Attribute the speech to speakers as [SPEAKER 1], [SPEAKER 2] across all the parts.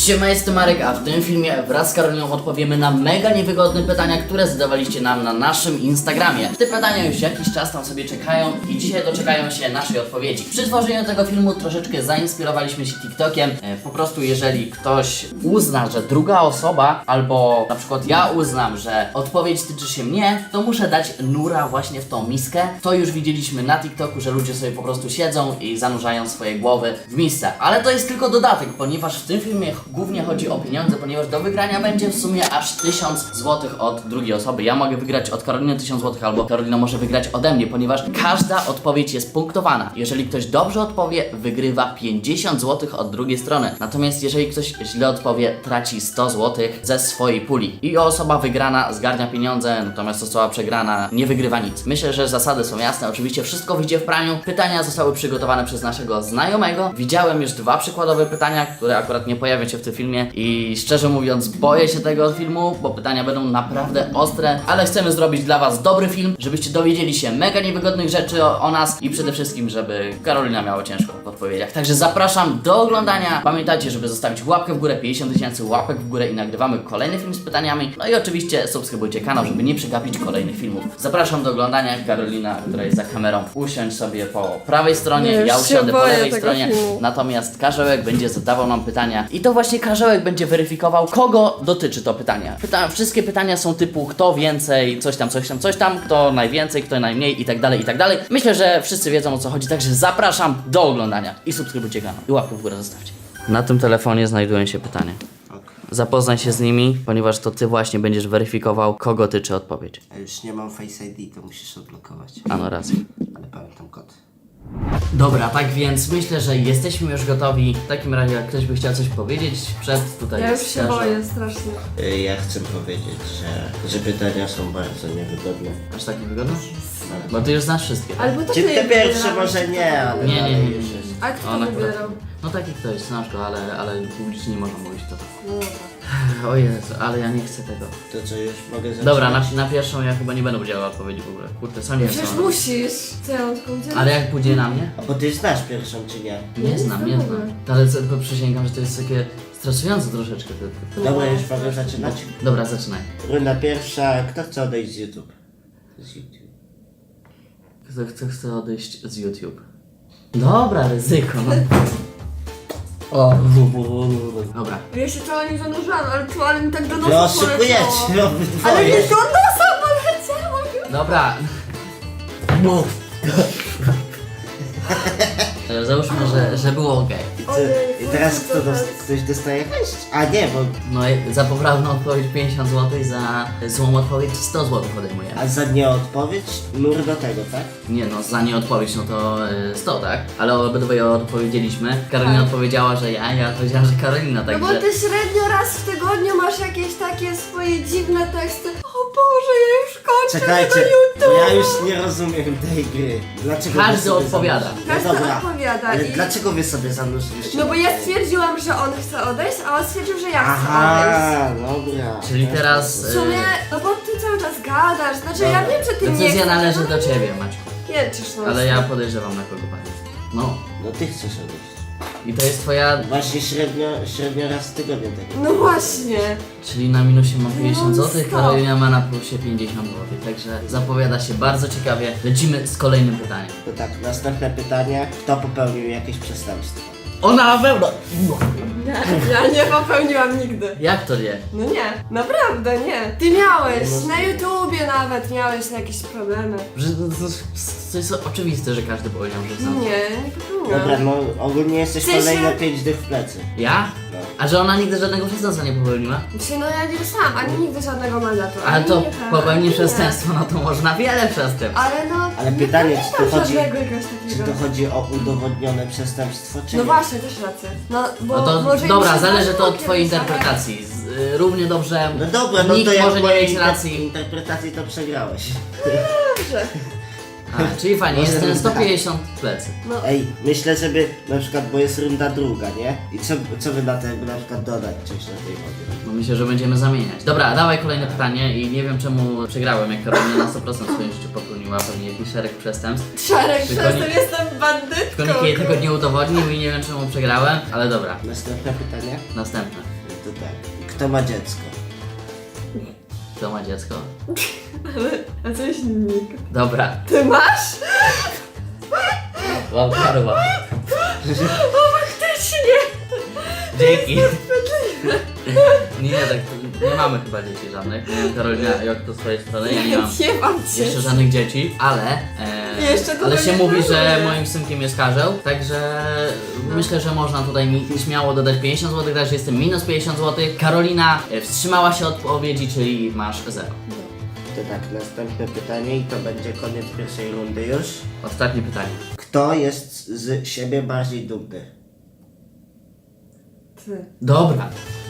[SPEAKER 1] Siema, jestem Marek, a w tym filmie wraz z Karoliną odpowiemy na mega niewygodne pytania, które zadawaliście nam na naszym Instagramie. Te pytania już jakiś czas tam sobie czekają i dzisiaj doczekają się naszej odpowiedzi. Przy tworzeniu tego filmu troszeczkę zainspirowaliśmy się TikTokiem. Po prostu jeżeli ktoś uzna, że druga osoba, albo na przykład ja uznam, że odpowiedź tyczy się mnie, to muszę dać nura właśnie w tą miskę. To już widzieliśmy na TikToku, że ludzie sobie po prostu siedzą i zanurzają swoje głowy w misce. Ale to jest tylko dodatek, ponieważ w tym filmie głównie chodzi o pieniądze, ponieważ do wygrania będzie w sumie aż 1000 zł od drugiej osoby. Ja mogę wygrać od Karoliny 1000 zł, albo Karolina może wygrać ode mnie, ponieważ każda odpowiedź jest punktowana. Jeżeli ktoś dobrze odpowie, wygrywa 50 zł od drugiej strony. Natomiast jeżeli ktoś źle odpowie, traci 100 zł ze swojej puli. I osoba wygrana zgarnia pieniądze, natomiast osoba przegrana nie wygrywa nic. Myślę, że zasady są jasne. Oczywiście wszystko wyjdzie w praniu. Pytania zostały przygotowane przez naszego znajomego. Widziałem już 2 przykładowe pytania, które akurat nie pojawią się w tym filmie i szczerze mówiąc boję się tego filmu, bo pytania będą naprawdę ostre, ale chcemy zrobić dla was dobry film, żebyście dowiedzieli się mega niewygodnych rzeczy o nas i przede wszystkim, żeby Karolina miała ciężko w odpowiedziach. Także zapraszam do oglądania. Pamiętajcie, żeby zostawić łapkę w górę, 50 000 łapek w górę i nagrywamy kolejny film z pytaniami. No i oczywiście subskrybujcie kanał, żeby nie przegapić kolejnych filmów. Zapraszam do oglądania. Karolina, która jest za kamerą, usiądź sobie po prawej stronie, ja usiądę po lewej stronie. Natomiast Karzełek będzie zadawał nam pytania i to właśnie Karzełek będzie weryfikował, kogo dotyczy to pytanie. Wszystkie pytania są typu kto więcej, coś tam, kto najwięcej, kto najmniej i tak dalej, i tak dalej. Myślę, że wszyscy wiedzą o co chodzi, także zapraszam do oglądania i subskrybujcie kanał i łapkę w górę zostawcie. Na tym telefonie znajdują się pytania. Zapoznaj się z nimi, ponieważ to ty właśnie będziesz weryfikował, kogo tyczy odpowiedź.
[SPEAKER 2] Ja już nie mam Face ID, to musisz odblokować.
[SPEAKER 1] Ano racja.
[SPEAKER 2] Ale pamiętam kod.
[SPEAKER 1] Dobra, tak więc myślę, że jesteśmy już gotowi. W takim razie, jak ktoś by chciał coś powiedzieć przed tutaj.
[SPEAKER 3] Ja już
[SPEAKER 1] jest
[SPEAKER 3] się
[SPEAKER 1] Karzeł.
[SPEAKER 3] boję strasznie.
[SPEAKER 2] Ja chcę powiedzieć, że pytania są bardzo niewygodne.
[SPEAKER 1] Aż taki wygodny? Bo ty już znasz wszystkie. Tak?
[SPEAKER 3] Albo to
[SPEAKER 2] Czy
[SPEAKER 3] ty
[SPEAKER 2] ty pierwszy
[SPEAKER 3] wybierałeś.
[SPEAKER 2] może nie, ale
[SPEAKER 1] Nie.
[SPEAKER 2] dalej już jest.
[SPEAKER 3] A kto
[SPEAKER 1] Ona
[SPEAKER 3] wybierał?
[SPEAKER 1] No taki ktoś, znasz go, ale publicznie nie można mówić to.
[SPEAKER 3] No dobra.
[SPEAKER 1] O Jezu, ale ja nie chcę tego.
[SPEAKER 2] To co, już mogę zacząć?
[SPEAKER 1] Dobra, na pierwszą ja chyba nie będę udzielał odpowiedzi w ogóle. Kurde, sam nie wiem
[SPEAKER 3] Przecież
[SPEAKER 1] co mam.
[SPEAKER 3] musisz. Co ja mam tylko udzielić?
[SPEAKER 1] Ale jak pójdzie na mnie?
[SPEAKER 2] A bo ty znasz pierwszą czy nie?
[SPEAKER 1] Nie znam. Ale to przysięgam, że to jest takie stresujące troszeczkę.
[SPEAKER 2] Dobra, już mogę zaczynać?
[SPEAKER 1] Dobra, zaczynaj.
[SPEAKER 2] Runda pierwsza, kto chce odejść z YouTube? Z YouTube.
[SPEAKER 1] Kto chce odejść z YouTube? Dobra, ryzyko, no. O, dobra.
[SPEAKER 3] Ja się cała nie zanurzałam, ale mi tak do nosa
[SPEAKER 2] Wy oszukujecie
[SPEAKER 3] Ale
[SPEAKER 2] obydwoje.
[SPEAKER 3] nie do nosa poleciało już.
[SPEAKER 1] Dobra. Mów. Załóżmy, że było ok.
[SPEAKER 2] I teraz kto ktoś dostaje hajs? A nie, bo
[SPEAKER 1] No i za poprawną odpowiedź 50 zł, za złą odpowiedź 100 zł podejmujemy.
[SPEAKER 2] a za nieodpowiedź nur do tego, tak?
[SPEAKER 1] Nie no, za nieodpowiedź no to 100, tak? Ale obydwoje odpowiedzieliśmy. Karolina
[SPEAKER 3] Tak.
[SPEAKER 1] odpowiedziała, że ja powiedziałam, że Karolina,
[SPEAKER 3] No bo
[SPEAKER 1] także...
[SPEAKER 3] ty średnio raz w tygodniu masz jakieś takie swoje dziwne teksty. O Boże, ja już kończę
[SPEAKER 2] Czekajcie,
[SPEAKER 3] tego
[SPEAKER 2] bo
[SPEAKER 3] YouTube.
[SPEAKER 2] ja już nie rozumiem tej gry. Dlaczego wy
[SPEAKER 1] Każdy
[SPEAKER 2] sobie
[SPEAKER 1] odpowiada.
[SPEAKER 2] zanurzyliście?
[SPEAKER 3] Każdy
[SPEAKER 2] No dobra,
[SPEAKER 3] odpowiada
[SPEAKER 2] ale
[SPEAKER 3] i-
[SPEAKER 2] dlaczego wy sobie zanurzyliście?
[SPEAKER 3] No bo ja stwierdziłam, że on chce odejść, a on stwierdził, że ja chcę odejść.
[SPEAKER 2] Aha, dobra.
[SPEAKER 1] Czyli teraz...
[SPEAKER 3] W sumie, no bo ty cały czas gadasz, znaczy ja wiem, że ty nie
[SPEAKER 1] Decyzja
[SPEAKER 3] chcesz,
[SPEAKER 1] należy
[SPEAKER 3] no
[SPEAKER 1] do
[SPEAKER 3] nie
[SPEAKER 1] ciebie, Maćku.
[SPEAKER 3] Pieczysz, no.
[SPEAKER 1] Ale ja podejrzewam na kogo pani. No.
[SPEAKER 2] No ty chcesz odejść.
[SPEAKER 1] I to jest twoja...
[SPEAKER 2] Właśnie średnio raz w tygodniu tego.
[SPEAKER 3] No właśnie.
[SPEAKER 1] Czyli na minusie mam 50
[SPEAKER 3] No,
[SPEAKER 1] zł,
[SPEAKER 3] stop.
[SPEAKER 1] Karolina ma na plusie 50 zł. Także zapowiada się bardzo ciekawie. Lecimy z kolejnym pytaniem.
[SPEAKER 2] To tak, następne pytanie. Kto popełnił jakieś przestępstwo?
[SPEAKER 1] Ona na pewno!
[SPEAKER 3] Ja nie popełniłam nigdy.
[SPEAKER 1] Jak to nie?
[SPEAKER 3] No nie, naprawdę nie. Ty miałeś,
[SPEAKER 2] No,
[SPEAKER 3] na YouTubie nawet miałeś jakieś problemy.
[SPEAKER 1] Że to jest oczywiste, że każdy powiedział, że sam.
[SPEAKER 3] Nie popełniłam.
[SPEAKER 2] Dobra, no ogólnie jesteś
[SPEAKER 3] W sensie-
[SPEAKER 2] kolejne 5 dych w plecy.
[SPEAKER 1] Ja?
[SPEAKER 2] No.
[SPEAKER 1] A że ona nigdy żadnego przestępstwa nie popełniła?
[SPEAKER 3] Dzisiaj no ja nie dostałam ani nigdy żadnego mandatu.
[SPEAKER 1] Ale
[SPEAKER 3] ani
[SPEAKER 1] to
[SPEAKER 3] nie tak,
[SPEAKER 1] popełni
[SPEAKER 3] nie.
[SPEAKER 1] przestępstwo, no to można wiele przestępstw.
[SPEAKER 3] Ale no,
[SPEAKER 2] Ale
[SPEAKER 3] nie
[SPEAKER 2] pytanie, czy
[SPEAKER 3] pamiętam
[SPEAKER 2] to chodzi-
[SPEAKER 3] żadnego jakiegoś
[SPEAKER 2] Czy
[SPEAKER 3] takiego.
[SPEAKER 2] to chodzi o udowodnione przestępstwo, czy
[SPEAKER 3] No
[SPEAKER 2] nie?
[SPEAKER 3] właśnie, też rację. No bo
[SPEAKER 1] No to
[SPEAKER 3] może
[SPEAKER 1] dobra,
[SPEAKER 3] mi się
[SPEAKER 1] zależy to
[SPEAKER 3] zdarzyło
[SPEAKER 1] od twojej
[SPEAKER 3] kiedyś, ale-
[SPEAKER 1] interpretacji. Równie dobrze
[SPEAKER 2] No dobra, no
[SPEAKER 1] nikt
[SPEAKER 2] to ja
[SPEAKER 1] może
[SPEAKER 2] w
[SPEAKER 1] nie
[SPEAKER 2] mojej
[SPEAKER 1] mieć racji.
[SPEAKER 2] interpretacji to przegrałeś.
[SPEAKER 3] Dobrze.
[SPEAKER 1] A, czyli fajnie,
[SPEAKER 2] Może
[SPEAKER 1] jestem
[SPEAKER 2] tak.
[SPEAKER 1] 150 w plecy.
[SPEAKER 3] No,
[SPEAKER 2] Ej, myślę, żeby na przykład, bo jest runda druga, nie? I co wy na to, jakby na przykład dodać coś na tej wodzie?
[SPEAKER 1] No myślę, że będziemy zamieniać. Dobra, dawaj kolejne pytanie i nie wiem czemu przegrałem, jak Karolina na 100% w swoim życiu popełniła pewnie jakiś szereg przestępstw.
[SPEAKER 3] Szarek,
[SPEAKER 1] Tylko
[SPEAKER 3] przez to
[SPEAKER 1] nie-
[SPEAKER 3] jestem bandytką.
[SPEAKER 1] Tylko nikt jej tego nie udowodnił i nie wiem czemu przegrałem, ale dobra.
[SPEAKER 2] Następne pytanie.
[SPEAKER 1] Następne.
[SPEAKER 2] to tak. Kto ma dziecko?
[SPEAKER 1] Kto ma dziecko?
[SPEAKER 3] A coś nikt.
[SPEAKER 1] Dobra,
[SPEAKER 3] Ty masz?
[SPEAKER 1] mam karła.
[SPEAKER 3] Faktycznie!
[SPEAKER 1] Dzięki. Nie, tak, nie mamy chyba dzieci żadnych. Nie wiem, Karolina, jak to z twojej strony, ja nie mam
[SPEAKER 3] Nie mam
[SPEAKER 1] jeszcze żadnych dzieci, ale
[SPEAKER 3] Jeszcze to
[SPEAKER 1] ale
[SPEAKER 3] tak
[SPEAKER 1] się
[SPEAKER 3] nie
[SPEAKER 1] mówi, że
[SPEAKER 3] planuję.
[SPEAKER 1] moim synkiem jest Karzeł, także myślę, że można tutaj mi śmiało dodać 50 zł, także jestem minus 50 zł. Karolina wstrzymała się od odpowiedzi, czyli masz 0.
[SPEAKER 2] To tak, następne pytanie i to będzie koniec pierwszej rundy już.
[SPEAKER 1] Ostatnie pytanie.
[SPEAKER 2] Kto jest z siebie bardziej dumny?
[SPEAKER 3] Ty.
[SPEAKER 1] Dobra.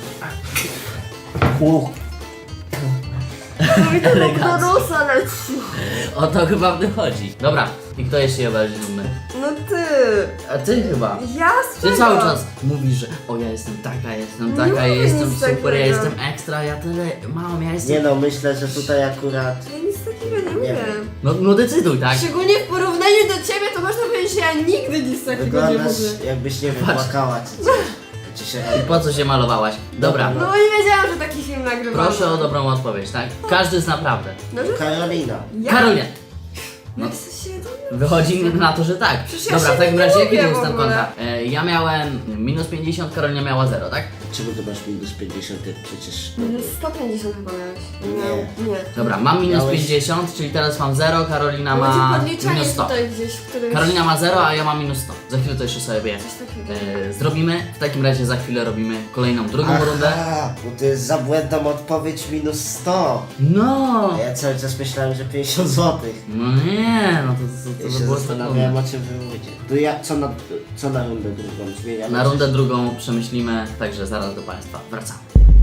[SPEAKER 3] No i to do nosa leci.
[SPEAKER 1] O to chyba w tym chodzi. Dobra, i kto jest się bardziej dumny?
[SPEAKER 3] No ty.
[SPEAKER 1] A ty chyba.
[SPEAKER 3] Ja
[SPEAKER 1] Ty cały czas mówisz, że o ja jestem taka,
[SPEAKER 3] Nie
[SPEAKER 1] ja jestem
[SPEAKER 3] nic
[SPEAKER 1] super,
[SPEAKER 3] takiego.
[SPEAKER 1] ja jestem ekstra, ja tyle mam, ja jestem...
[SPEAKER 2] Nie no, myślę, że tutaj akurat...
[SPEAKER 3] Ja nic takiego nie
[SPEAKER 2] Nie
[SPEAKER 3] wiem.
[SPEAKER 1] No decyduj, tak?
[SPEAKER 3] Szczególnie w porównaniu do ciebie, to można powiedzieć, że ja nigdy nic takiego nie
[SPEAKER 2] Wyglądasz
[SPEAKER 3] mówię.
[SPEAKER 2] jakbyś nie wypłakała czy coś. Ci się
[SPEAKER 1] I po co się malowałaś? Dobra,
[SPEAKER 2] Dobra.
[SPEAKER 3] No nie wiedziałam, że taki film nagrywamy.
[SPEAKER 1] proszę o dobrą odpowiedź, tak? Każdy zna prawdę.
[SPEAKER 3] No, że
[SPEAKER 2] Karolina.
[SPEAKER 3] ja?
[SPEAKER 1] Karolina! No,
[SPEAKER 3] Jak się dumny?
[SPEAKER 1] wychodzi na to, że tak.
[SPEAKER 3] Przecież ja
[SPEAKER 1] Dobra,
[SPEAKER 3] się
[SPEAKER 1] w takim
[SPEAKER 3] nie
[SPEAKER 1] razie jaki
[SPEAKER 3] lubię
[SPEAKER 1] był
[SPEAKER 3] w
[SPEAKER 1] stan
[SPEAKER 3] ogóle.
[SPEAKER 1] konta? Ja miałem minus 50, Karolina miała 0, tak?
[SPEAKER 2] Czemu ty masz minus 50, jak przecież...
[SPEAKER 3] 150 chyba miałeś.
[SPEAKER 2] Nie.
[SPEAKER 3] Nie.
[SPEAKER 1] Dobra, mam minus
[SPEAKER 2] Miałeś-
[SPEAKER 1] 50, czyli teraz mam 0, Karolina
[SPEAKER 3] Będzie
[SPEAKER 1] ma
[SPEAKER 3] podliczanie
[SPEAKER 1] minus 100.
[SPEAKER 3] tutaj gdzieś, w którymś...
[SPEAKER 1] Karolina ma 0, a ja mam minus 100. Za chwilę to jeszcze sobie
[SPEAKER 3] Coś takiego.
[SPEAKER 1] zrobimy. W takim razie za chwilę robimy kolejną, drugą rundę.
[SPEAKER 2] Aha, bo to jest za błędną odpowiedź minus 100.
[SPEAKER 1] No!
[SPEAKER 2] A ja cały czas myślałem, że 50 zł.
[SPEAKER 1] No nie, no to
[SPEAKER 2] Ja
[SPEAKER 1] by
[SPEAKER 2] się
[SPEAKER 1] było
[SPEAKER 2] zastanawiałem,
[SPEAKER 1] trudne.
[SPEAKER 2] o czym wy mówicie. To ja, co na rundę drugą zmieniamy?
[SPEAKER 1] Na rundę drugą przemyślimy, także zaraz do Państwa wracamy.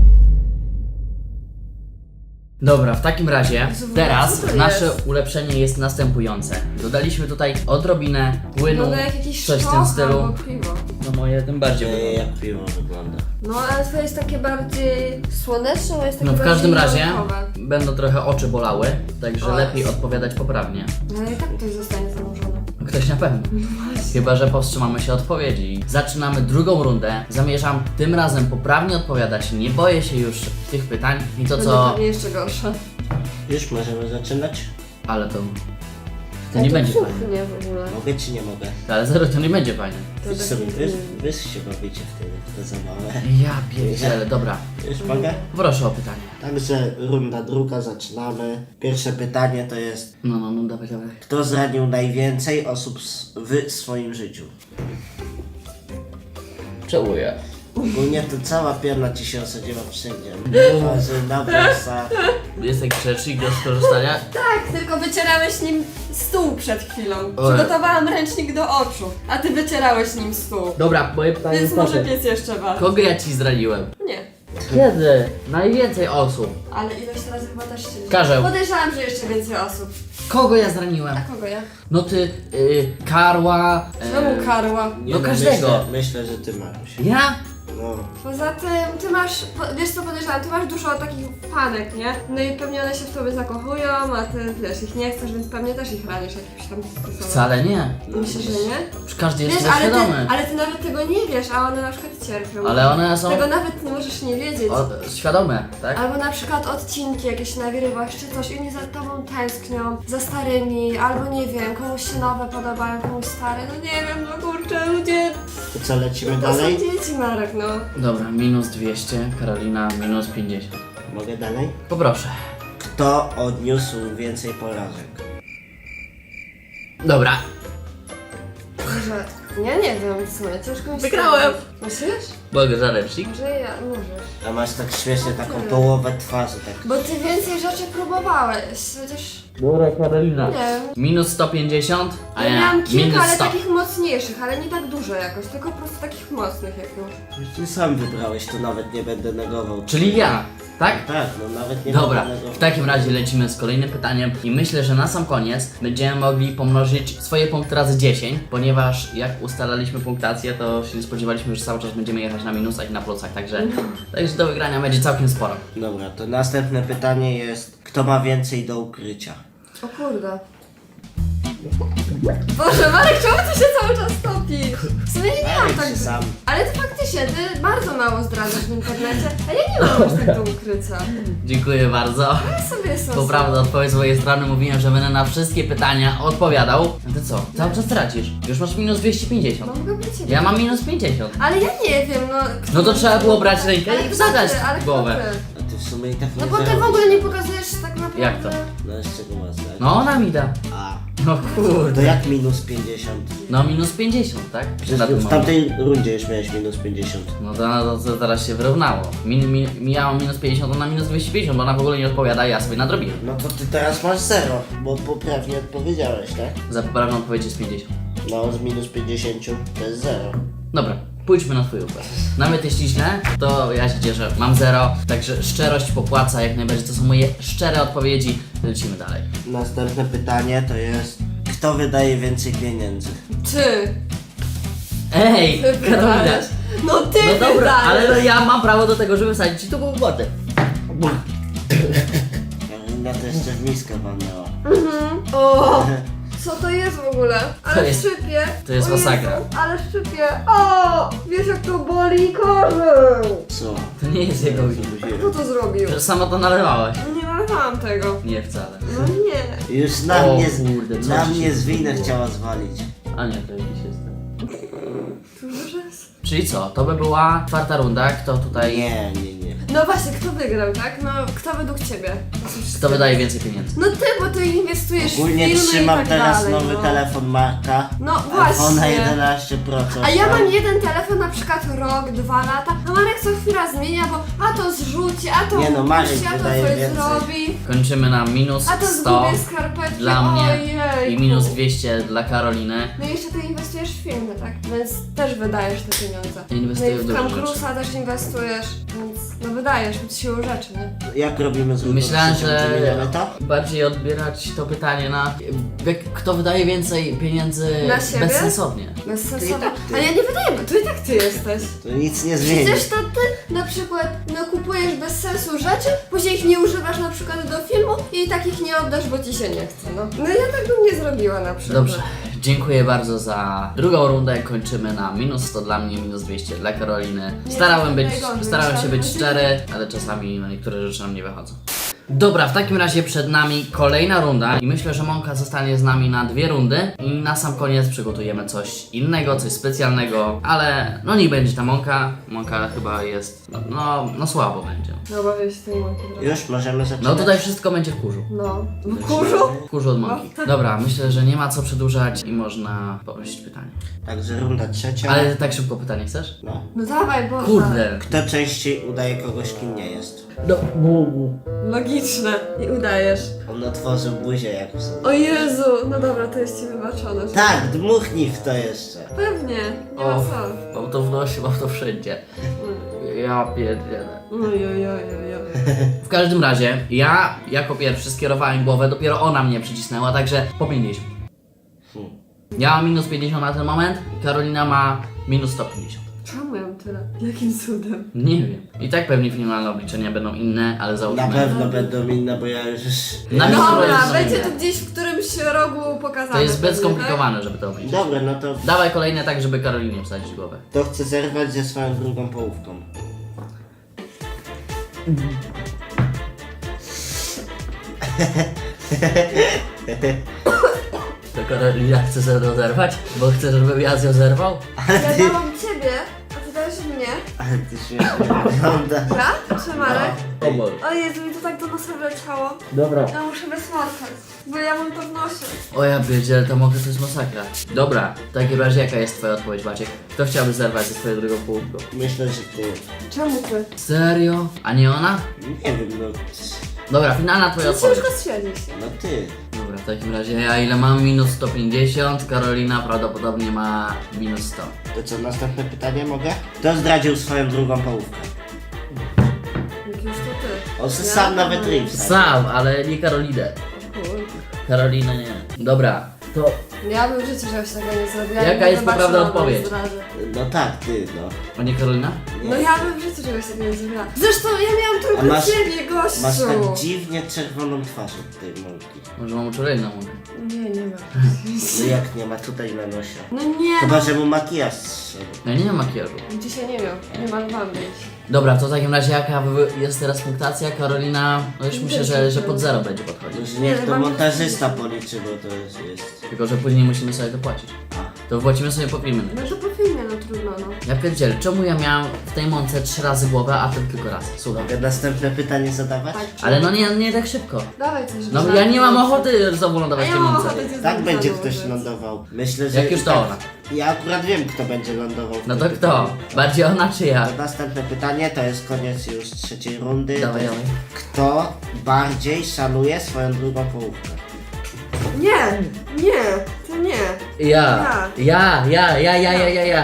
[SPEAKER 1] Dobra, w takim razie teraz
[SPEAKER 3] co to
[SPEAKER 1] nasze
[SPEAKER 3] jest?
[SPEAKER 1] ulepszenie jest następujące. Dodaliśmy tutaj odrobinę płynu,
[SPEAKER 3] Wygląda jak jakiś
[SPEAKER 1] coś w tym
[SPEAKER 3] sztok
[SPEAKER 1] stylu.
[SPEAKER 3] albo piwo.
[SPEAKER 1] No moje tym bardziej wygląda.
[SPEAKER 2] Jak piwo wygląda.
[SPEAKER 3] No ale to jest takie bardziej słoneczne, a jest takie
[SPEAKER 1] No w
[SPEAKER 3] bardziej
[SPEAKER 1] każdym razie
[SPEAKER 3] naukowe.
[SPEAKER 1] będą trochę oczy bolały, także
[SPEAKER 3] O.
[SPEAKER 1] lepiej odpowiadać poprawnie.
[SPEAKER 3] No ale i tak ktoś zostanie zanurzony.
[SPEAKER 1] Ktoś na pewno. Chyba że powstrzymamy się odpowiedzi. Zaczynamy drugą rundę. Zamierzam tym razem poprawnie odpowiadać. Nie boję się już tych pytań i to
[SPEAKER 3] Będzie
[SPEAKER 1] co...
[SPEAKER 3] pewnie jeszcze gorsze.
[SPEAKER 2] Już możemy zaczynać?
[SPEAKER 1] Ale to nie będzie fajne.
[SPEAKER 3] Nie w ogóle.
[SPEAKER 2] Mogę czy nie mogę?
[SPEAKER 1] Ale 0 to nie będzie fajne.
[SPEAKER 3] To
[SPEAKER 2] Wy sobie,
[SPEAKER 3] definitywnie.
[SPEAKER 2] wy się bawicie wtedy, to za małe.
[SPEAKER 1] Ja pierdzielę, dobra.
[SPEAKER 2] Już mogę?
[SPEAKER 1] Proszę o pytanie.
[SPEAKER 2] Także runda druga, zaczynamy. Pierwsze pytanie to jest,
[SPEAKER 1] No, dawaj.
[SPEAKER 2] kto zranił najwięcej osób w swoim życiu?
[SPEAKER 1] Czołuję.
[SPEAKER 2] Ogólnie to cała pierna ci się osadziła wszędzie. Twarzy, na włosach.
[SPEAKER 1] Jest jakiś rzecznik do skorzystania?
[SPEAKER 3] Tak, tylko wycierałeś nim stół przed chwilą.
[SPEAKER 1] Ojej.
[SPEAKER 3] Przygotowałam ręcznik do oczu, a ty wycierałeś nim stół.
[SPEAKER 1] Dobra, moje pytanie
[SPEAKER 3] Więc
[SPEAKER 1] jest
[SPEAKER 3] może
[SPEAKER 1] proszę.
[SPEAKER 3] pies jeszcze bardziej.
[SPEAKER 1] Kogo ja ci zdradziłem?
[SPEAKER 3] Nie.
[SPEAKER 1] Kiedy? Najwięcej osób.
[SPEAKER 3] Ale ilość razy chyba też się...
[SPEAKER 1] Karzeł.
[SPEAKER 3] Podejrzewam, że jeszcze więcej osób.
[SPEAKER 1] Kogo ja zraniłem?
[SPEAKER 3] A kogo ja?
[SPEAKER 1] No ty, Karła...
[SPEAKER 3] Czemu karła?
[SPEAKER 2] Nie,
[SPEAKER 1] No każdego.
[SPEAKER 2] Myślę, że ty Maruś.
[SPEAKER 1] Ja?
[SPEAKER 2] No.
[SPEAKER 3] Poza tym, ty masz, wiesz co podejrzewam, ty masz dużo takich fanek, nie? No i pewnie one się w tobie zakochują, a ty, wiesz, ich nie chcesz, więc pewnie też ich ranisz jakimś tam sposobem.
[SPEAKER 1] Wcale nie.
[SPEAKER 3] Myślę, że nie?
[SPEAKER 1] Już każdy jest
[SPEAKER 3] Wiesz,
[SPEAKER 1] tego
[SPEAKER 3] ale
[SPEAKER 1] świadomy.
[SPEAKER 3] ale ty nawet tego nie wiesz, a one na przykład cierpią.
[SPEAKER 1] Ale one są
[SPEAKER 3] Tego nawet nie możesz nie wiedzieć.
[SPEAKER 1] świadome, tak?
[SPEAKER 3] Albo na przykład odcinki jakieś nagrywasz czy coś i oni za tobą tęsknią, za starymi, albo nie wiem, komuś się nowe podobają, komuś stare, no nie wiem, no kurczę, ludzie,
[SPEAKER 2] To co, lecimy
[SPEAKER 3] to są
[SPEAKER 2] dalej?
[SPEAKER 3] dzieci, Marek, no.
[SPEAKER 1] Dobra, minus 200, Karolina minus 50.
[SPEAKER 2] Mogę dalej?
[SPEAKER 1] Poproszę.
[SPEAKER 2] Kto odniósł więcej porażek?
[SPEAKER 1] Dobra.
[SPEAKER 3] Może, ja nie wiem, w sumie, ciężko mi
[SPEAKER 1] Wygrałem.
[SPEAKER 3] stwierdzić. Myślisz?
[SPEAKER 1] Mogę zarecznik?
[SPEAKER 3] Może ja, możesz.
[SPEAKER 2] A masz tak śmiesznie taką połowę twarzy, tak.
[SPEAKER 3] Bo ty więcej rzeczy próbowałeś, chociaż,
[SPEAKER 1] Dobra, Karolina.
[SPEAKER 3] nie wiem.
[SPEAKER 1] Minus 150, a
[SPEAKER 3] Ja
[SPEAKER 1] ja
[SPEAKER 3] miałam kilka,
[SPEAKER 1] minus
[SPEAKER 3] ale
[SPEAKER 1] 100.
[SPEAKER 3] takich mocniejszych, ale nie tak dużo jakoś, tylko po prostu takich mocnych jak już.
[SPEAKER 2] Ty sam wybrałeś, to nawet nie będę negował.
[SPEAKER 1] Czyli ja, tak?
[SPEAKER 2] Tak, no nawet nie
[SPEAKER 1] Dobra,
[SPEAKER 2] będę negował.
[SPEAKER 1] w takim razie lecimy z kolejnym pytaniem i myślę, że na sam koniec będziemy mogli pomnożyć swoje punkty razy 10, ponieważ jak ustalaliśmy punktację, to się nie spodziewaliśmy, że cały czas będziemy jechać na minusach i na plusach, także do wygrania będzie całkiem sporo.
[SPEAKER 2] Dobra, to następne pytanie jest, kto ma więcej do ukrycia?
[SPEAKER 3] O kurde. Boże, Marek, czemu ty się cały czas topi? W sumie nie mam
[SPEAKER 2] Marek
[SPEAKER 3] tak...
[SPEAKER 2] się sam.
[SPEAKER 3] Ale ty faktycznie, ty bardzo mało zdradzasz w internecie, a ja nie mam aż tak do ukrycia.
[SPEAKER 1] Dziękuję bardzo.
[SPEAKER 3] Ja sobie jestem
[SPEAKER 1] Poprawna odpowiedź z mojej strony, mówiłem, że będę na wszystkie pytania odpowiadał. A ty co? Cały czas tracisz. Już masz minus 250.
[SPEAKER 3] No mogę być ciebie.
[SPEAKER 1] Ja mam minus 50.
[SPEAKER 3] Ale ja nie wiem, no...
[SPEAKER 1] No to trzeba było brać rękę
[SPEAKER 3] Ale
[SPEAKER 1] i
[SPEAKER 3] kto
[SPEAKER 1] wsadzać
[SPEAKER 3] ty? Ale
[SPEAKER 1] w głowę.
[SPEAKER 3] kto ty?
[SPEAKER 2] A ty w sumie i tak nie
[SPEAKER 3] No bo ty w
[SPEAKER 2] zarobisz.
[SPEAKER 3] ogóle nie pokazujesz tak naprawdę...
[SPEAKER 1] Jak to?
[SPEAKER 2] No z czego masz, tak?
[SPEAKER 1] No ona mi da.
[SPEAKER 2] A,
[SPEAKER 1] No
[SPEAKER 2] to
[SPEAKER 1] kurde.
[SPEAKER 2] jak minus 50?
[SPEAKER 1] No minus 50, tak?
[SPEAKER 2] Przecież
[SPEAKER 1] Na tym
[SPEAKER 2] w
[SPEAKER 1] momencie.
[SPEAKER 2] tamtej rundzie już miałeś minus 50.
[SPEAKER 1] No to teraz się wyrównało. Miałam minus 50, ona minus 250, bo ona w ogóle nie odpowiada, ja sobie nadrobiłem.
[SPEAKER 2] No to ty teraz masz 0, bo poprawnie odpowiedziałeś, tak?
[SPEAKER 1] Za poprawną odpowiedź jest 50.
[SPEAKER 2] No z minus 50 to jest 0.
[SPEAKER 1] Dobra, pójdźmy na twój układ. Nawet jeśli źle, to ja się cieszę, mam 0, także szczerość popłaca jak najbardziej. To są moje szczere odpowiedzi. Lecimy dalej.
[SPEAKER 2] Następne pytanie to jest, kto wydaje więcej pieniędzy?
[SPEAKER 3] Ty!
[SPEAKER 1] Ej,
[SPEAKER 3] Ty
[SPEAKER 1] Karolina.
[SPEAKER 3] wydajesz. No ty
[SPEAKER 1] No dobra,
[SPEAKER 3] wydajesz.
[SPEAKER 1] ale no ja mam prawo do tego, żeby wsadzić ci tu w wodę.
[SPEAKER 2] Karolina to jeszcze w miskę walnęła.
[SPEAKER 3] O! Co to jest w ogóle? Ale
[SPEAKER 1] To jest-
[SPEAKER 3] szczypie.
[SPEAKER 1] to jest
[SPEAKER 3] O Jezu,
[SPEAKER 1] masakra.
[SPEAKER 3] Ale szczypie. O! Wiesz jak to boli korzeń.
[SPEAKER 2] Co?
[SPEAKER 1] To nie jest jego wina.
[SPEAKER 3] Kto to zrobił?
[SPEAKER 1] Że sama to nalewałaś.
[SPEAKER 3] Nie nalewałam tego.
[SPEAKER 1] Nie wcale.
[SPEAKER 3] No nie.
[SPEAKER 2] Już na
[SPEAKER 1] O
[SPEAKER 2] mnie,
[SPEAKER 1] kurde, co
[SPEAKER 2] na
[SPEAKER 1] ci
[SPEAKER 2] mnie
[SPEAKER 1] się
[SPEAKER 2] z winę
[SPEAKER 1] stało?
[SPEAKER 2] chciała zwalić.
[SPEAKER 1] A nie, to jakiś jest ten.
[SPEAKER 3] To może jest...
[SPEAKER 1] Czyli co, to by była czwarta runda, kto tutaj...
[SPEAKER 2] Nie, nie, nie.
[SPEAKER 3] No właśnie, kto wygrał, tak? No, kto według ciebie?
[SPEAKER 1] Kto wydaje więcej pieniędzy?
[SPEAKER 3] No ty, bo ty inwestujesz
[SPEAKER 2] Ogólnie
[SPEAKER 3] w filmy
[SPEAKER 2] trzymam
[SPEAKER 3] i tak
[SPEAKER 2] teraz
[SPEAKER 3] dalej,
[SPEAKER 2] nowy
[SPEAKER 3] no.
[SPEAKER 2] telefon Marka.
[SPEAKER 3] No
[SPEAKER 2] iPhone
[SPEAKER 3] właśnie.
[SPEAKER 2] 11 Pro. coś
[SPEAKER 3] A ja
[SPEAKER 2] tam.
[SPEAKER 3] mam jeden telefon na przykład rok, 2 lata, a Marek co chwila zmienia, bo a to zrzuci, a to
[SPEAKER 2] Nie no, Marek
[SPEAKER 3] puści, a to
[SPEAKER 2] wydaje
[SPEAKER 3] coś
[SPEAKER 2] więcej.
[SPEAKER 3] zrobi,
[SPEAKER 1] Kończymy na minus
[SPEAKER 3] a to
[SPEAKER 1] 100
[SPEAKER 3] zgubię skarpetki,
[SPEAKER 1] dla mnie
[SPEAKER 3] ojej.
[SPEAKER 1] i minus 200 dla Karoliny.
[SPEAKER 3] No i jeszcze ty inwestujesz w filmy, tak? Więc też wydajesz te pieniądze.
[SPEAKER 1] Inwestuję
[SPEAKER 3] no i
[SPEAKER 1] w
[SPEAKER 3] w
[SPEAKER 1] duże
[SPEAKER 3] Tom
[SPEAKER 1] rzeczy.
[SPEAKER 3] Cruise'a też inwestujesz, więc no wydajesz siłą rzeczy, nie?
[SPEAKER 2] Jak robimy z
[SPEAKER 1] Myślałem, że
[SPEAKER 2] Wymieniamy to?
[SPEAKER 1] bardziej odbierać to pytanie na kto wydaje więcej pieniędzy
[SPEAKER 3] Na siebie?
[SPEAKER 1] bezsensownie.
[SPEAKER 3] Bez sensu.
[SPEAKER 2] To i tak ty.
[SPEAKER 3] Ale ja nie wydaję, bo to i tak ty jesteś.
[SPEAKER 2] To nic nie zmieni.
[SPEAKER 3] Przecież to ty na przykład no, kupujesz bez sensu rzeczy, później ich nie używasz na przykład do filmu i takich nie oddasz, bo ci się nie chce, no. No ja tak bym nie zrobiła na przykład.
[SPEAKER 1] Dobrze, dziękuję bardzo za drugą rundę. Kończymy na minus 100 dla mnie, minus 200 dla Karoliny.
[SPEAKER 3] Nie,
[SPEAKER 1] Starałem
[SPEAKER 3] to najgorzej,
[SPEAKER 1] się
[SPEAKER 3] trzeba
[SPEAKER 1] być
[SPEAKER 3] być-
[SPEAKER 1] szczery, ale czasami no, niektóre rzeczy nam nie wychodzą. Dobra, w takim razie przed nami kolejna runda i myślę, że Monka zostanie z nami na 2 rundy i na sam koniec przygotujemy coś innego, coś specjalnego, ale no niech będzie ta Monka. Monka chyba jest, no słabo będzie.
[SPEAKER 3] No obawiam się tej mąki trochę.
[SPEAKER 2] Już możemy zaczynać?
[SPEAKER 1] No tutaj wszystko będzie w kurzu.
[SPEAKER 3] No. W kurzu?
[SPEAKER 1] W kurzu od Monki. Dobra, myślę, że nie ma co przedłużać i można poprosić pytanie.
[SPEAKER 2] Także runda trzecia.
[SPEAKER 1] Ale tak szybko pytanie chcesz?
[SPEAKER 2] No.
[SPEAKER 3] No dawaj, Boże.
[SPEAKER 1] Kurde.
[SPEAKER 2] Kto częściej udaje kogoś, kim nie jest?
[SPEAKER 1] No,
[SPEAKER 3] Logiczne. I udajesz.
[SPEAKER 2] On otworzył buzię jak w sobie.
[SPEAKER 3] O Jezu, no dobra, to jest ci wybaczone.
[SPEAKER 2] Tak, dmuchnij w to jeszcze.
[SPEAKER 3] Pewnie, nie ma
[SPEAKER 1] o,
[SPEAKER 3] co.
[SPEAKER 1] mam to w nosie, mam to wszędzie. Ja pierdzielę.
[SPEAKER 3] Ojojojojoj.
[SPEAKER 1] W każdym razie, ja jako pierwszy skierowałem głowę, dopiero ona mnie przycisnęła, także po 50. Ja mam minus 50 na ten moment, Karolina ma minus 150.
[SPEAKER 3] Czemu ja mam tyle? Jakim cudem?
[SPEAKER 1] Nie wiem. I tak pewnie finalne obliczenia będą inne, ale
[SPEAKER 2] Na
[SPEAKER 1] załóżmy.
[SPEAKER 2] pewno będą inne, bo ja już...
[SPEAKER 1] Na minus
[SPEAKER 3] Dobra,
[SPEAKER 1] 150.
[SPEAKER 3] będzie to gdzieś w którymś rogu pokazane.
[SPEAKER 1] To jest zbyt
[SPEAKER 3] pewnie,
[SPEAKER 1] skomplikowane, żeby to obliczyć.
[SPEAKER 2] Dobra, no to
[SPEAKER 1] Dawaj kolejne tak, żeby Karolinie wsadzić głowę.
[SPEAKER 2] to chcę zerwać ze swoją drugą połówką.
[SPEAKER 1] To Karolina chce ze mną zerwać? Bo chce, żebym ja z nią zerwał?
[SPEAKER 3] Tak? Ja dałam ciebie, a ty dałeś mnie.
[SPEAKER 2] Ale ty śmiesznie wyglądasz.
[SPEAKER 3] Ja? Czy Marek?
[SPEAKER 1] O Boże.
[SPEAKER 3] O Jezu, mi to tak do nosa wleciało.
[SPEAKER 1] Dobra.
[SPEAKER 3] Ja muszę wysmarkać, bo ja mam to w nosie.
[SPEAKER 1] O ja pierdzielę, to mogę, to jest masakra. Dobra, w takim razie jaka jest twoja odpowiedź, Maciek? Kto chciałby zerwać ze swoją drugą połówką?
[SPEAKER 2] Myślę, że ty.
[SPEAKER 3] Czemu ty?
[SPEAKER 1] Serio? A nie ona?
[SPEAKER 2] Nie wiem, no...
[SPEAKER 1] Dobra, finalna twoja
[SPEAKER 3] Ty się już
[SPEAKER 1] odpowiedź.
[SPEAKER 3] rozświetlisz.
[SPEAKER 2] No ty.
[SPEAKER 1] Dobra, w takim razie ja ile mam? Minus 150, Karolina prawdopodobnie ma minus 100.
[SPEAKER 2] To co, następne pytanie mogę? Kto zdradził swoją drugą połówkę?
[SPEAKER 3] Jak już to ty.
[SPEAKER 2] On
[SPEAKER 3] Ja?
[SPEAKER 2] sam nawet ryj wsadził.
[SPEAKER 1] Sam, ale nie Karolinę.
[SPEAKER 3] Kurde.
[SPEAKER 1] Karolinę nie. Dobra, to
[SPEAKER 3] Ja bym w życiu czegoś takiego nie zrobiła.
[SPEAKER 1] Jaka
[SPEAKER 3] Ja bym
[SPEAKER 1] jest poprawna
[SPEAKER 3] wybaczyła
[SPEAKER 1] odpowiedź?
[SPEAKER 3] wam zdradę.
[SPEAKER 2] No tak, ty, no.
[SPEAKER 1] a nie Karolina?
[SPEAKER 3] No ja bym w życiu czegoś takiego nie zrobiła. Zresztą ja miałam
[SPEAKER 2] A
[SPEAKER 3] tylko
[SPEAKER 2] masz-
[SPEAKER 3] ciebie, gościu.
[SPEAKER 2] Masz tak dziwnie czerwoną twarz od tej mąki.
[SPEAKER 1] Może mam uczulenie na mówię.
[SPEAKER 3] Nie, nie ma.
[SPEAKER 2] No jak nie ma tutaj na nosie?
[SPEAKER 3] No nie,
[SPEAKER 2] Chyba, że mu makijaż zszedł.
[SPEAKER 1] Ja nie mam makijażu.
[SPEAKER 3] dzisiaj nie miał, nie malowałam być.
[SPEAKER 1] Dobra, to w takim razie jaka jest teraz punktacja? Karolina, no już myślę, że pod 0 będzie podchodzić.
[SPEAKER 2] Już niech to montażysta policzy, bo to jest...
[SPEAKER 1] Tylko, że później musimy sobie dopłacić. To wypłacimy sobie po filmie.
[SPEAKER 3] No to po filmie, no trudno, no.
[SPEAKER 1] Ja pierdzielę, czemu ja miałem w tej mące 3 razy głowę, a ten tylko raz? Słuchaj.
[SPEAKER 2] Mogę następne pytanie zadawać?
[SPEAKER 3] Ale
[SPEAKER 1] Ale no nie tak szybko.
[SPEAKER 3] dawaj coś.
[SPEAKER 1] No
[SPEAKER 3] żarty.
[SPEAKER 1] ja nie mam ochoty znowu
[SPEAKER 3] A
[SPEAKER 1] lądować w
[SPEAKER 3] ja
[SPEAKER 1] tej
[SPEAKER 3] mam
[SPEAKER 1] mące.
[SPEAKER 3] ochotę cię
[SPEAKER 2] Tak
[SPEAKER 3] znowu
[SPEAKER 2] będzie
[SPEAKER 3] założyć.
[SPEAKER 2] ktoś lądował. Myślę, że...
[SPEAKER 1] Jak już to
[SPEAKER 2] tak.
[SPEAKER 1] ona.
[SPEAKER 2] Ja akurat wiem, kto będzie lądował. w
[SPEAKER 1] No
[SPEAKER 2] tym
[SPEAKER 1] to
[SPEAKER 2] pytaniu.
[SPEAKER 1] kto? Bardziej ona czy ja?
[SPEAKER 2] To następne pytanie, to jest koniec już trzeciej rundy.
[SPEAKER 1] Dawaj,
[SPEAKER 2] To jest,
[SPEAKER 1] dawaj.
[SPEAKER 2] Kto bardziej szanuje swoją drugą połówkę?
[SPEAKER 3] Nie, to nie.
[SPEAKER 1] Ja.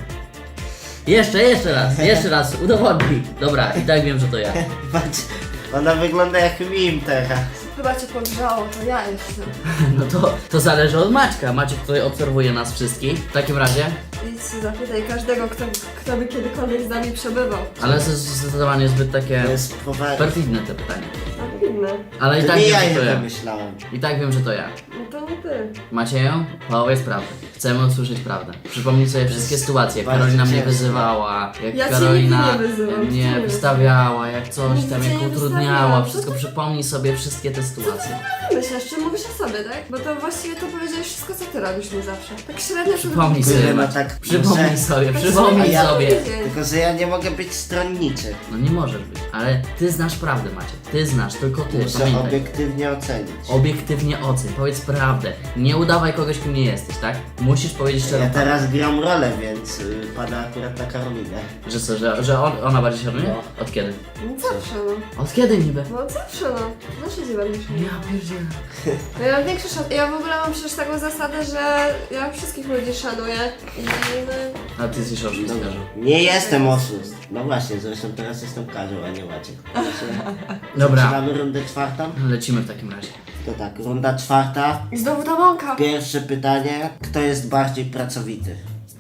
[SPEAKER 1] Jeszcze raz, udowodnij. Dobra, i tak wiem, że to ja.
[SPEAKER 2] Patrz, ona wygląda jak mim teraz.
[SPEAKER 3] Chyba cię podgrzało, to ja jestem.
[SPEAKER 1] No to zależy od Maćka. Maciek tutaj obserwuje nas wszystkich. W takim razie,
[SPEAKER 3] Idź się zapytaj każdego, kto by kiedykolwiek z nami przebywał.
[SPEAKER 1] ale zdecydowanie zbyt takie
[SPEAKER 2] To jest poważne.
[SPEAKER 1] perfidne te pytanie.
[SPEAKER 3] A inne.
[SPEAKER 1] Ale i
[SPEAKER 2] To
[SPEAKER 1] tak
[SPEAKER 2] nie
[SPEAKER 1] wiem,
[SPEAKER 2] ja
[SPEAKER 1] że
[SPEAKER 2] je
[SPEAKER 1] to ja.
[SPEAKER 2] wymyślałem.
[SPEAKER 1] I tak wiem, że to ja.
[SPEAKER 3] No to nie ty.
[SPEAKER 1] Macieju, powiedz prawdę. Chcemy usłyszeć prawdę. Przypomnij sobie wszystkie sytuacje, jak
[SPEAKER 2] bardzo
[SPEAKER 1] Karolina mnie
[SPEAKER 2] ciężko.
[SPEAKER 1] wyzywała, jak
[SPEAKER 3] Ja cię
[SPEAKER 1] Karolina
[SPEAKER 3] nigdy nie wyzywam,
[SPEAKER 1] mnie
[SPEAKER 3] cię nie
[SPEAKER 1] wystawiała, jak coś
[SPEAKER 3] Nigdy
[SPEAKER 1] tam,
[SPEAKER 3] cię
[SPEAKER 1] jak
[SPEAKER 3] nie
[SPEAKER 1] utrudniała.
[SPEAKER 3] wystawiałam.
[SPEAKER 1] Wszystko przypomnij sobie wszystkie te sytuacje.
[SPEAKER 3] Myślisz, czy mówisz o sobie, tak? Bo to właściwie to powiedziałeś wszystko, co ty robisz mi zawsze. Tak średnio
[SPEAKER 1] Przypomnij
[SPEAKER 3] to
[SPEAKER 1] sobie,
[SPEAKER 2] Tyle, no
[SPEAKER 1] Maciek.
[SPEAKER 2] tak,
[SPEAKER 1] Przypomnij
[SPEAKER 2] muszę-
[SPEAKER 1] sobie,
[SPEAKER 3] Tak
[SPEAKER 1] przypomnij
[SPEAKER 3] średnio
[SPEAKER 1] sobie.
[SPEAKER 3] tydzień.
[SPEAKER 2] Tylko, że ja nie mogę być stronniczy.
[SPEAKER 1] No nie możesz być, ale ty znasz prawdę, Maciek. Ty znasz, tylko ty,
[SPEAKER 2] Muszę
[SPEAKER 1] pamiętaj.
[SPEAKER 2] obiektywnie ocenić.
[SPEAKER 1] Obiektywnie ocen, powiedz prawdę. Nie udawaj kogoś, kim nie jesteś, tak? Musisz powiedzieć szczerą
[SPEAKER 2] Ja
[SPEAKER 1] prawdę.
[SPEAKER 2] teraz gram rolę, więc pada akurat na Karolinę.
[SPEAKER 1] Że co, że ona bardziej się szanuje?
[SPEAKER 2] No.
[SPEAKER 1] Od kiedy?
[SPEAKER 3] No zawsze, no.
[SPEAKER 1] Od kiedy niby?
[SPEAKER 3] No zawsze, no. Zawsze się będę szanować.
[SPEAKER 1] Ja pierdzielę.
[SPEAKER 3] No ja mam większy ja w ogóle mam przecież taką zasadę, że ja wszystkich ludzi szanuję i no...
[SPEAKER 1] A ty jesteś oszustem.
[SPEAKER 2] Nie jestem oszust. No właśnie, zresztą teraz jestem Karol, a nie Maciek.
[SPEAKER 1] Dobra,
[SPEAKER 2] Zaczynamy rundę czwartą?
[SPEAKER 1] lecimy w takim razie.
[SPEAKER 2] To tak, runda czwarta.
[SPEAKER 3] I znowu ta mąka.
[SPEAKER 2] Pierwsze pytanie. Kto jest bardziej pracowity?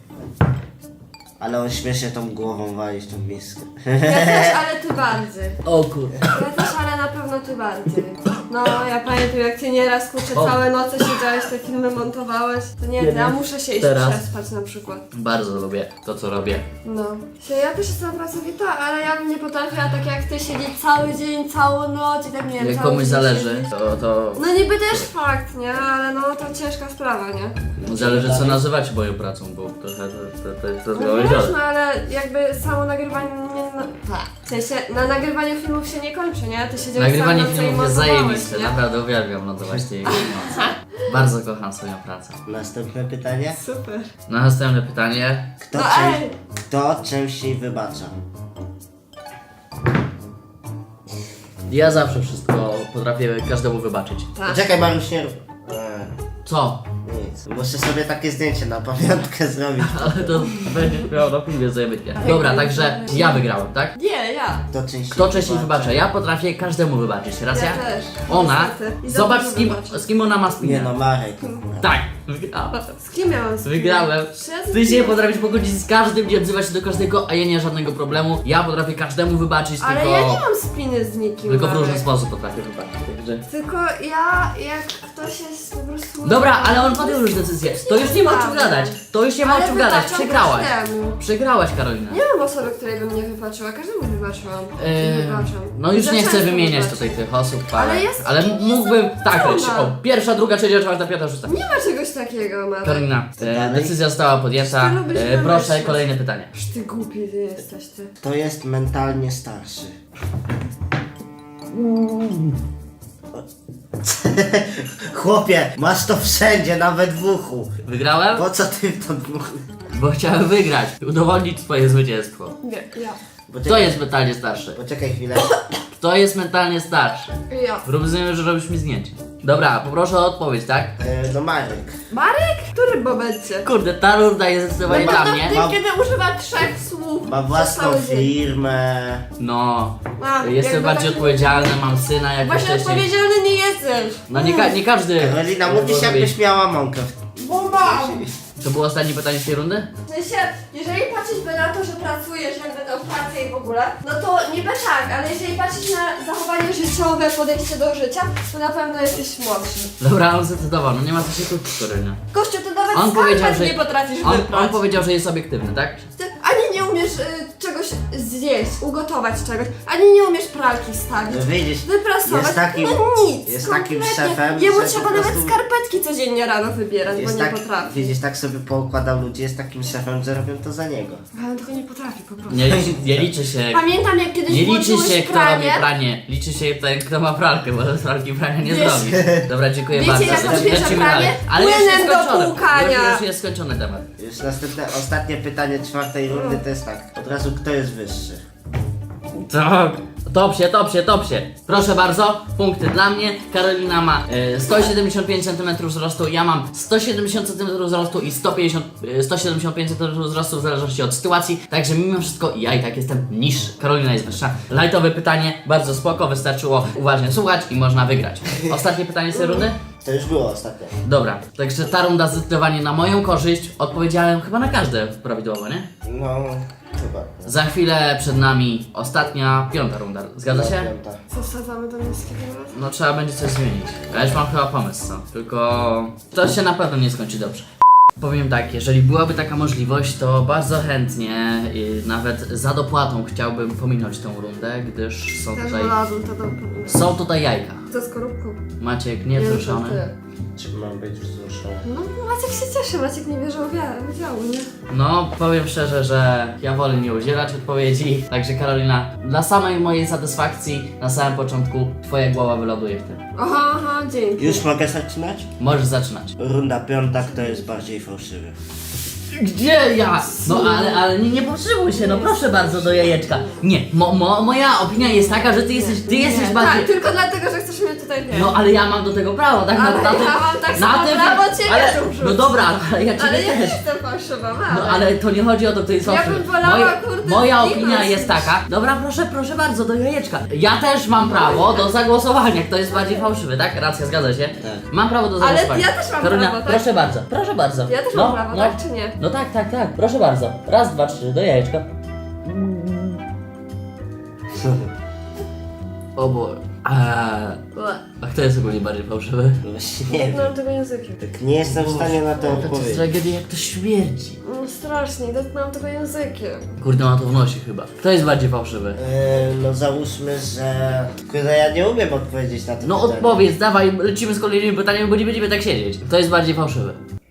[SPEAKER 2] Ale on śmiesznie tą głową wali w tą miskę.
[SPEAKER 3] Ja też, ale ty bardziej.
[SPEAKER 1] O kurde.
[SPEAKER 3] Ja też, ale na pewno ty bardziej. No, ja pamiętam jak ty nieraz kurczę całe noce siedziałeś, te filmy montowałeś. To nie, ja muszę się iść
[SPEAKER 1] Teraz.
[SPEAKER 3] przespać na przykład.
[SPEAKER 1] Bardzo lubię to, co robię.
[SPEAKER 3] No. Ja też jestem pracowita, ale ja bym nie potrafiła tak jak ty siedzieć cały dzień, całą noc i tak nie wiem,
[SPEAKER 1] Jak
[SPEAKER 3] cały
[SPEAKER 1] komuś
[SPEAKER 3] dzień
[SPEAKER 1] zależy,
[SPEAKER 3] siedzieć.
[SPEAKER 1] to
[SPEAKER 3] No niby też fakt, nie? Ale no to ciężka sprawa, nie?
[SPEAKER 1] zależy, co nazywać moją pracą, bo trochę to
[SPEAKER 3] No
[SPEAKER 1] zgoła
[SPEAKER 3] wiesz, no ale jakby samo nagrywanie nie... No, w sensie, na nagrywaniu filmów się nie kończy, nie? Ty siedziałeś
[SPEAKER 1] Nagrywanie
[SPEAKER 3] całą noc i
[SPEAKER 1] filmów jest
[SPEAKER 3] montowałeś,
[SPEAKER 1] zajebiste,
[SPEAKER 3] nie?
[SPEAKER 1] naprawdę uwielbiam lądować tej nocy. Bardzo kocham swoją pracę.
[SPEAKER 2] Następne pytanie.
[SPEAKER 3] Super.
[SPEAKER 1] Następne pytanie.
[SPEAKER 2] Kto,
[SPEAKER 3] No ej!
[SPEAKER 2] kto częściej wybacza?
[SPEAKER 1] Ja zawsze wszystko potrafię każdemu wybaczyć.
[SPEAKER 3] Tak.
[SPEAKER 2] Czekaj, Mariusz, nie rób.
[SPEAKER 1] Co?
[SPEAKER 2] Nic. Muszę sobie takie zdjęcie na pamiątkę zrobić.
[SPEAKER 1] Ale to będzie miał na filmie zajebitnie. Dobra, także ja wygrałem, tak?
[SPEAKER 3] Nie, ja.
[SPEAKER 2] Kto
[SPEAKER 1] Częściej wybacza? Ja potrafię każdemu wybaczyć, racja?
[SPEAKER 3] Ja też.
[SPEAKER 1] Ona,
[SPEAKER 3] Niestety. I za
[SPEAKER 1] zobacz
[SPEAKER 3] dużo
[SPEAKER 1] z kim,
[SPEAKER 3] wybaczę.
[SPEAKER 1] z kim ona ma
[SPEAKER 2] Nie
[SPEAKER 1] spinę.
[SPEAKER 2] no, Marek.
[SPEAKER 1] Tak, wygrałem.
[SPEAKER 3] Z kim miałam spinę?
[SPEAKER 1] Wygrałem.
[SPEAKER 3] Trzy razy
[SPEAKER 1] Ty się
[SPEAKER 3] spinę.
[SPEAKER 1] potrafisz pogodzić z każdym, nie odzywać się do każdego, a ja nie mam żadnego problemu. Ja potrafię każdemu wybaczyć,
[SPEAKER 3] Ale
[SPEAKER 1] tylko...
[SPEAKER 3] ja nie mam spiny z nikim.
[SPEAKER 1] Tylko w różny
[SPEAKER 3] Marek.
[SPEAKER 1] sposób potrafię wybaczyć, także...
[SPEAKER 3] Tylko ja, jak ktoś jest po prostu...
[SPEAKER 1] Dobra, ale on podjął już decyzję. To już nie ma o czym gadać. To już nie ma o
[SPEAKER 3] Ale
[SPEAKER 1] czym gadać.
[SPEAKER 3] wybaczam
[SPEAKER 1] Przegrałaś.
[SPEAKER 3] każdemu.
[SPEAKER 1] Przegrałaś, Karolina.
[SPEAKER 3] Nie mam osoby, której bym nie wybaczyła. Każdemu wybaczyłam. I wybaczam.
[SPEAKER 1] No już
[SPEAKER 3] Za
[SPEAKER 1] nie chcę
[SPEAKER 3] często
[SPEAKER 1] wymieniać
[SPEAKER 3] wybaczam.
[SPEAKER 1] tutaj tych osób,
[SPEAKER 3] Ale jest-
[SPEAKER 1] ale mógłbym... Tak, leć.
[SPEAKER 3] Ona.
[SPEAKER 1] O, pierwsza, druga, trzecia, czwarta, piąta, szósta.
[SPEAKER 3] Nie ma czegoś takiego, Marek.
[SPEAKER 1] Karolina,
[SPEAKER 2] dalej?
[SPEAKER 1] decyzja została podjęta.
[SPEAKER 3] Ty lubisz
[SPEAKER 1] Proszę,
[SPEAKER 3] wymyślać.
[SPEAKER 1] kolejne pytanie.
[SPEAKER 3] Aż ty głupi ty jesteś, ty.
[SPEAKER 2] Kto jest mentalnie starszy? Chłopie, masz to wszędzie, nawet w uchu.
[SPEAKER 1] Wygrałem?
[SPEAKER 2] Po co ty to dmuchłeś?
[SPEAKER 1] Bo chciałem wygrać. Udowodnić swoje zwycięstwo.
[SPEAKER 3] Nie, ja.
[SPEAKER 1] Kto jest mentalnie starszy?
[SPEAKER 2] Poczekaj chwilę.
[SPEAKER 1] Kto jest mentalnie starszy?
[SPEAKER 3] Ja.
[SPEAKER 1] Rozumiem, że robisz mi zdjęcie. Dobra, poproszę o odpowiedź, tak?
[SPEAKER 2] No Marek.
[SPEAKER 3] Marek? Który momencie?
[SPEAKER 1] Kurde, ta runda jest zdecydowanie
[SPEAKER 3] No
[SPEAKER 1] dla
[SPEAKER 3] to
[SPEAKER 1] mnie.
[SPEAKER 3] ty,
[SPEAKER 2] Mam-
[SPEAKER 3] kiedy używa 3 słów
[SPEAKER 2] Ma
[SPEAKER 3] przez
[SPEAKER 2] własną
[SPEAKER 3] cały dzień.
[SPEAKER 2] firmę.
[SPEAKER 1] No,
[SPEAKER 3] A,
[SPEAKER 1] jestem
[SPEAKER 3] jakby
[SPEAKER 1] bardziej
[SPEAKER 3] tak-
[SPEAKER 1] odpowiedzialny, mam syna jak
[SPEAKER 3] Właśnie
[SPEAKER 1] wcześniej.
[SPEAKER 3] odpowiedzialny nie jesteś.
[SPEAKER 1] No nie każdy.
[SPEAKER 2] Karolina, mówisz
[SPEAKER 1] może
[SPEAKER 2] jakbyś
[SPEAKER 1] być.
[SPEAKER 2] miała mąkę.
[SPEAKER 3] Bo mam.
[SPEAKER 1] To było ostatnie pytanie z tej rundy?
[SPEAKER 3] W sensie, jeżeli patrzeć by na to, że pracujesz jakby tą pracę i w ogóle, no to niby tak, ale jeżeli patrzeć na zachowanie życiowe, podejście do życia, to na pewno jesteś młodszy.
[SPEAKER 1] Dobra, on zdecydował, no nie ma co się kłócić, Karolina.
[SPEAKER 3] Gościu, ty nawet
[SPEAKER 1] On powiedział,
[SPEAKER 3] skarpet
[SPEAKER 1] że...
[SPEAKER 3] nie potrafisz
[SPEAKER 1] On
[SPEAKER 3] wyprać.
[SPEAKER 1] powiedział, że jest obiektywny, tak?
[SPEAKER 3] Ty ani nie umiesz czegoś zjeść, ugotować czegoś, ani nie umiesz pralki wstawić,
[SPEAKER 2] No widzisz,
[SPEAKER 3] wyprasować,
[SPEAKER 2] jest takim-
[SPEAKER 3] no nic,
[SPEAKER 2] jest takim
[SPEAKER 3] kompletnie.
[SPEAKER 2] szefem,
[SPEAKER 3] Jemu
[SPEAKER 2] że
[SPEAKER 3] trzeba
[SPEAKER 2] po
[SPEAKER 3] nawet
[SPEAKER 2] prostu-
[SPEAKER 3] skarpetki codziennie rano wybierać, bo
[SPEAKER 2] jest
[SPEAKER 3] nie
[SPEAKER 2] tak,
[SPEAKER 3] potrafi.
[SPEAKER 2] widzisz, tak sobie poukładał ludzi, jest takim szefem, że robią to za niego.
[SPEAKER 3] Ale on tego nie potrafi po prostu.
[SPEAKER 1] Nie liczy się...
[SPEAKER 3] Pamiętam jak kiedyś
[SPEAKER 1] Nie liczy
[SPEAKER 3] włączyłeś
[SPEAKER 1] się, kto robi
[SPEAKER 3] pranie.
[SPEAKER 1] pranie, liczy się ten, kto ma pralkę, bo bez pralki prania nie
[SPEAKER 3] Wiesz-
[SPEAKER 1] zrobisz. Dobra, dziękuję
[SPEAKER 3] Wiecie,
[SPEAKER 1] bardzo.
[SPEAKER 3] jak
[SPEAKER 1] Lecimy
[SPEAKER 3] odbierze
[SPEAKER 1] dalej.
[SPEAKER 3] pranie?
[SPEAKER 1] Ale już jest
[SPEAKER 3] Płynem do
[SPEAKER 1] skończone.
[SPEAKER 3] płukania.
[SPEAKER 1] Już jest skończony temat.
[SPEAKER 2] Już następne, ostatnie pytanie czwartej rundy to jest tak. Od razu, kto jest wyższy?
[SPEAKER 1] Tak. Top się. Proszę bardzo, punkty dla mnie. Karolina ma 175 cm wzrostu, ja mam 170 cm wzrostu i 175 cm wzrostu w zależności od sytuacji. Także mimo wszystko ja i tak jestem niższy. Karolina jest wyższa. Lightowe pytanie, bardzo spoko, wystarczyło uważnie słuchać i można wygrać. Ostatnie pytanie z tej rundy?
[SPEAKER 2] To już było ostatnie.
[SPEAKER 1] Dobra, także ta runda zdecydowanie na moją korzyść. Odpowiedziałem chyba na każde prawidłowo, nie?
[SPEAKER 2] No, chyba.
[SPEAKER 1] Za chwilę przed nami ostatnia, piąta runda. Zgadza się?
[SPEAKER 2] Piąta.
[SPEAKER 3] Co wsadzamy do niskiego razu?
[SPEAKER 1] No trzeba będzie coś zmienić. Ja już mam chyba pomysł, co? Tylko to się na pewno nie skończy dobrze. Powiem tak, jeżeli byłaby taka możliwość, to bardzo chętnie, nawet za dopłatą chciałbym pominąć tą rundę, gdyż
[SPEAKER 3] Też wolałabym to do
[SPEAKER 1] są tutaj jajka.
[SPEAKER 3] Ze skorupką.
[SPEAKER 1] Maciek
[SPEAKER 3] Nie,
[SPEAKER 1] niewzruszony.
[SPEAKER 3] to ty.
[SPEAKER 2] Czy mam być wzruszony?
[SPEAKER 3] No Maciek się cieszy, Maciek nie bierze udziału, nie?
[SPEAKER 1] No, powiem szczerze, że ja wolę nie udzielać odpowiedzi. Także Karolina, dla samej mojej satysfakcji na samym początku twoja głowa wyląduje w tym.
[SPEAKER 3] Aha, dzięki.
[SPEAKER 2] Już mogę zaczynać?
[SPEAKER 1] Możesz zaczynać.
[SPEAKER 2] Runda piąta, kto jest bardziej fałszywy?
[SPEAKER 1] Gdzie ja? No ale nie potrzebuj się, no proszę bardzo do jajeczka. Nie, moja opinia jest taka, że ty jesteś
[SPEAKER 3] Nie,
[SPEAKER 1] bardziej...
[SPEAKER 3] tak, tylko dlatego, że chcesz mnie tutaj wziąć.
[SPEAKER 1] No ale ja mam do tego prawo, tak?
[SPEAKER 3] Ale ja mam tak samo prawo ciebie
[SPEAKER 1] ale,
[SPEAKER 3] tu wrzucić.
[SPEAKER 1] no dobra, ale ja ciebie
[SPEAKER 3] Ale ja nie
[SPEAKER 1] też.
[SPEAKER 3] jestem fałszywa,
[SPEAKER 1] No ale to nie chodzi o to, kto jest
[SPEAKER 3] Ja bym
[SPEAKER 1] fałszywy.
[SPEAKER 3] wolała, kurde,
[SPEAKER 1] Moja
[SPEAKER 3] zginąć
[SPEAKER 1] opinia
[SPEAKER 3] niż-
[SPEAKER 1] jest taka. Dobra, proszę bardzo, do jajeczka. Ja też mam prawo do zagłosowania, kto jest bardziej fałszywy, tak? Racja, zgadza się?
[SPEAKER 2] Tak.
[SPEAKER 1] Mam prawo do
[SPEAKER 3] Ale
[SPEAKER 1] zagłosowania.
[SPEAKER 3] ja też mam
[SPEAKER 1] Karolina,
[SPEAKER 3] prawo, tak?
[SPEAKER 1] proszę bardzo, proszę bardzo.
[SPEAKER 3] Ja też mam prawo, tak czy nie?
[SPEAKER 1] No tak, proszę bardzo. Raz, dwa, trzy, do jajeczka. O Boże. A kto jest ogólnie bardziej fałszywy?
[SPEAKER 2] No właśnie nie wiem.
[SPEAKER 3] Mam tego językiem.
[SPEAKER 2] Tak nie jestem w stanie na to
[SPEAKER 1] To jest
[SPEAKER 2] odpowiedzieć.
[SPEAKER 1] tragedia, jak to śmierdzi.
[SPEAKER 3] No strasznie, dotknąłem tego językiem.
[SPEAKER 1] Kurde, ma to w nosie chyba. Kto jest bardziej fałszywy?
[SPEAKER 2] No załóżmy, że... Kurde, ja nie umiem odpowiedzieć na to
[SPEAKER 1] No
[SPEAKER 2] pytanie.
[SPEAKER 1] odpowiedz, dawaj, lecimy z kolejnymi pytaniami, bo nie będziemy tak siedzieć. Kto jest bardziej fałszywy?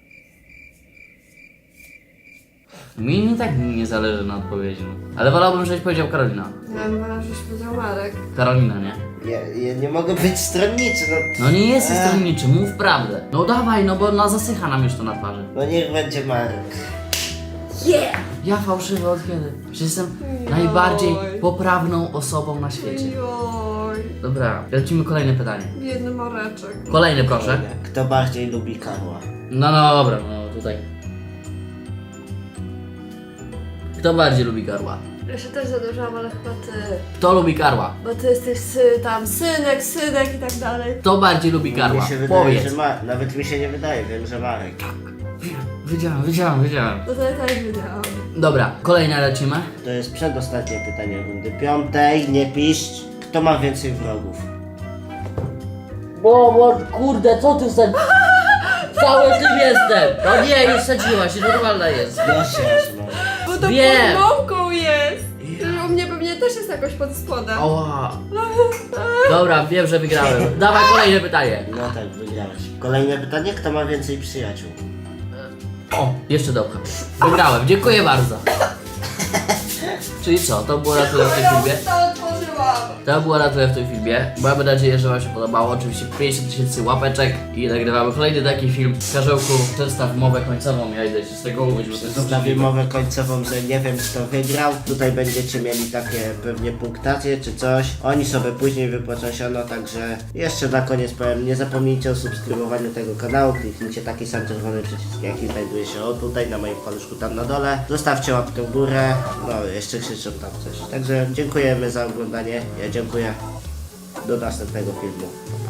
[SPEAKER 1] Mi nie tak nie zależy na odpowiedzi, no. Ale wolałbym, żebyś powiedział Karolina.
[SPEAKER 3] Ja bym wolała, żebyś powiedział Marek.
[SPEAKER 1] Karolina, nie?
[SPEAKER 2] Ja nie mogę być stronniczy, no.
[SPEAKER 1] No nie jesteś stronniczy, mów prawdę. No dawaj, no bo zasycha nam już to na twarzy.
[SPEAKER 2] No niech będzie Marek.
[SPEAKER 3] Yeah!
[SPEAKER 1] Ja fałszywy od kiedy? Przecież jestem najbardziej poprawną osobą na świecie.
[SPEAKER 3] Joj,
[SPEAKER 1] Dobra, lecimy kolejne pytanie.
[SPEAKER 3] biedny Mareczek.
[SPEAKER 1] Kolejne proszę.
[SPEAKER 2] Kto bardziej lubi Karła?
[SPEAKER 1] No dobra, no tutaj. Kto bardziej lubi Karła?
[SPEAKER 3] Ja się też zadłużałam, ale chyba ty.
[SPEAKER 1] Kto lubi Karła?
[SPEAKER 3] Bo ty jesteś tam synek i tak dalej.
[SPEAKER 1] Kto bardziej lubi Karła?
[SPEAKER 2] Mi się wydaje,
[SPEAKER 1] Powiedz.
[SPEAKER 2] że Nawet mi się nie wydaje, wiem, że Marek.
[SPEAKER 1] Wiedziałem.
[SPEAKER 3] No to ja też wiedziałam.
[SPEAKER 1] Dobra, kolejne lecimy.
[SPEAKER 2] To jest przedostatnie pytanie rundy piątej, nie piszcz. Kto ma więcej wrogów?
[SPEAKER 1] Bo kurde, co ty wsadziłeś? Cały tym jestem! No nie, już wsadziłaś, normalna jest.
[SPEAKER 2] No.
[SPEAKER 3] Bo to
[SPEAKER 1] Wiem.
[SPEAKER 3] pod mąką jest. U mnie pewnie też jest jakoś pod spodem.
[SPEAKER 1] Ała. Dobra, wiem, że wygrałem. Dawaj kolejne pytanie.
[SPEAKER 2] No tak, wygrałeś. Kolejne pytanie, kto ma więcej przyjaciół?
[SPEAKER 1] O, jeszcze dobra. Wygrałem, dziękuję bardzo. Czyli co, to było na tyle w tym filmie.
[SPEAKER 3] to otworzyłam.
[SPEAKER 1] To było na tyle w tym filmie. Mamy nadzieję, że wam się podobało. Oczywiście 50 000 łapeczek i nagrywamy kolejny taki film. Karzełku, przedstaw mowę końcową. Ja idę się z tego umyć, bo to jest
[SPEAKER 2] Zostawię mowę końcową, że nie wiem kto wygrał. Tutaj będziecie mieli takie pewnie punktacje czy coś. Oni sobie później wypłacą siano, także jeszcze na koniec powiem, nie zapomnijcie o subskrybowaniu tego kanału. Kliknijcie taki sam czerwony przycisk, jaki znajduje się o tutaj na moim paluszku tam na dole. Zostawcie łapkę w górę. No jeszcze krzyczą tam coś. Także dziękujemy za oglądanie. Ja dziękuję. Do następnego filmu.